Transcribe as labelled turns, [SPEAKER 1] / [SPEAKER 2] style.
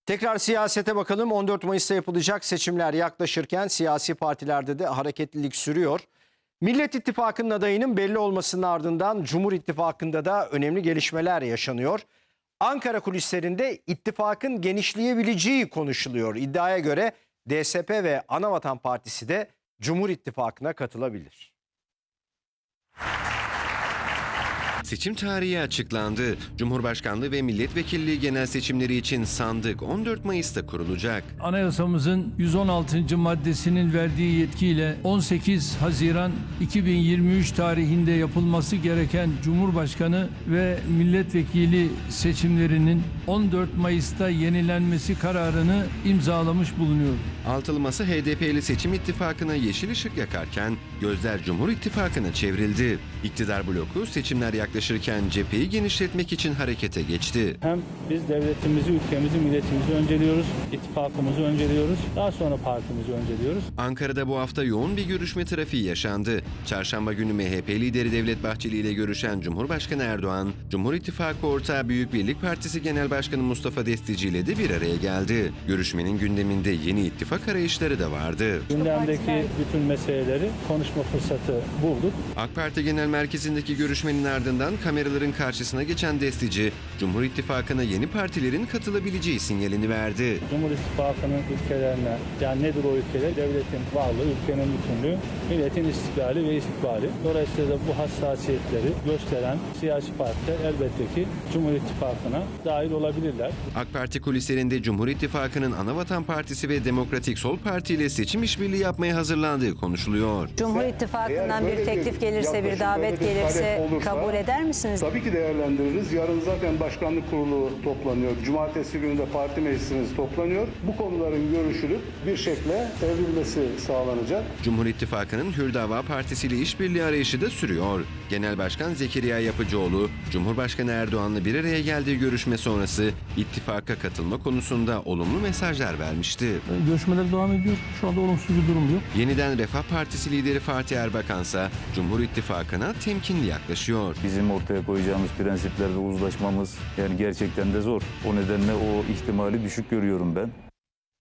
[SPEAKER 1] Tekrar siyasete bakalım. 14 Mayıs'ta yapılacak seçimler yaklaşırken siyasi partilerde de hareketlilik sürüyor. Millet İttifakı'nın adayının belli olmasının ardından Cumhur İttifakı'nda da önemli gelişmeler yaşanıyor. Ankara kulislerinde ittifakın genişleyebileceği konuşuluyor. İddiaya göre DSP ve Anavatan Partisi de Cumhur İttifakı'na katılabilir.
[SPEAKER 2] Seçim tarihi açıklandı. Cumhurbaşkanlığı ve milletvekilliği genel seçimleri için sandık 14 Mayıs'ta kurulacak.
[SPEAKER 3] Anayasamızın 116. maddesinin verdiği yetkiyle 18 Haziran 2023 tarihinde yapılması gereken Cumhurbaşkanı ve milletvekili seçimlerinin 14 Mayıs'ta yenilenmesi kararını imzalamış bulunuyor.
[SPEAKER 2] Altılı Masa HDP'li seçim ittifakına yeşil ışık yakarken gözler Cumhur İttifakı'na çevrildi. İktidar bloku seçimler yaklaşırken cepheyi genişletmek için harekete geçti.
[SPEAKER 4] Hem biz devletimizi, ülkemizi, milletimizi önceliyoruz, ittifakımızı önceliyoruz, daha sonra partimizi önceliyoruz.
[SPEAKER 2] Ankara'da bu hafta yoğun bir görüşme trafiği yaşandı. Çarşamba günü MHP lideri Devlet Bahçeli ile görüşen Cumhurbaşkanı Erdoğan, Cumhur İttifakı ortağı Büyük Birlik Partisi Genel Başkanı Mustafa Destici ile de bir araya geldi. Görüşmenin gündeminde yeni ittifak arayışları da vardı.
[SPEAKER 4] Gündemdeki bütün meseleleri konuşma fırsatı bulduk.
[SPEAKER 2] AK Parti Genel Merkezi'ndeki görüşmenin ardından kameraların karşısına geçen Destici, Cumhur İttifakı'na yeni partilerin katılabileceği sinyalini verdi.
[SPEAKER 4] Cumhur İttifakı'nın ülkelerine, yani nedir o ülkeler? Devletin varlığı, ülkenin bütünlüğü, milletin istiklali ve istikbali. Dolayısıyla da bu hassasiyetleri gösteren siyasi partiler elbette ki Cumhur İttifakı'na dahil olabilirler.
[SPEAKER 2] AK Parti kulislerinde Cumhur İttifakı'nın Anavatan Partisi ve Demokratik Sol Parti ile seçim işbirliği yapmaya hazırlandığı konuşuluyor.
[SPEAKER 5] Cumhur İttifakı'ndan bir teklif gelirse, bir davet gelirse kabul eder misiniz?
[SPEAKER 6] Tabii ki değerlendiririz. Yarın zaten başkanlık kurulu toplanıyor. Cumartesi günü de parti meclisimiz toplanıyor. Bu konuların görüşülüp bir şekilde evrilmesi sağlanacak.
[SPEAKER 2] Cumhur İttifakı'nın Hürdava Partisi ile işbirliği arayışı da sürüyor. Genel Başkan Zekeriya Yapıcıoğlu, Cumhurbaşkanı Erdoğan'la bir araya geldiği görüşme sonrası ittifaka katılma konusunda olumlu mesajlar vermişti.
[SPEAKER 3] Görüşmeler devam ediyor. Şu anda olumsuz bir durum yok.
[SPEAKER 2] Yeniden Refah Partisi lideri Fatih Erbakansa Cumhur İttifakı'na temkinli yaklaşıyor.
[SPEAKER 7] Bizim ortaya koyacağımız prensiplerde uzlaşmamız yani gerçekten de zor. O nedenle o ihtimali düşük görüyorum ben.